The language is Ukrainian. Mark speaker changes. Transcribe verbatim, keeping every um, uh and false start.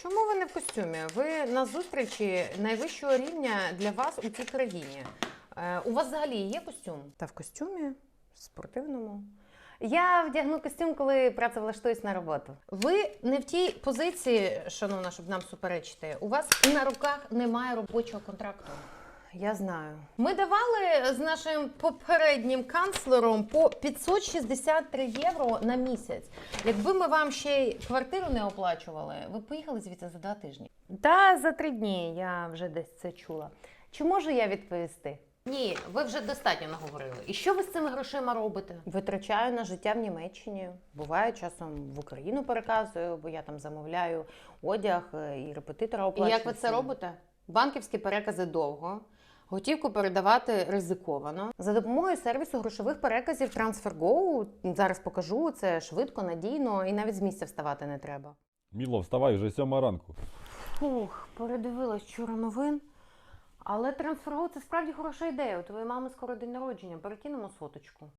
Speaker 1: чому ви не в костюмі? Ви на зустрічі найвищого рівня для вас у цій країні. Е, у вас взагалі є костюм? Та в костюмі спортивному. Я вдягну костюм, коли працевлаштуюсь на роботу. Ви не в тій позиції, шановна, щоб нам суперечити. У вас на руках немає робочого контракту. Я знаю. Ми давали з нашим попереднім канцлером по п'ятсот шістдесят три євро на місяць. Якби ми вам ще й квартиру не оплачували, ви б поїхали звідси за два тижні. Та за три дні, я вже десь це чула. Чи можу я відповісти? Ні, ви вже достатньо наговорили. І що ви з цими грошима робите? Витрачаю на життя в Німеччині. Буває, часом в Україну переказую, бо я там замовляю одяг і репетитора оплачую. І як ви це робите? Банківські перекази довго. Готівку передавати ризиковано. За допомогою сервісу грошових переказів TransferGo, зараз покажу, це швидко, надійно і навіть з місця вставати не треба.
Speaker 2: Міло, вставай, вже сьома ранку.
Speaker 1: Фух, передивилась вчора новин. Але TransferGo – це справді хороша ідея. У твоєї мами скоро день народження, перекинемо соточку.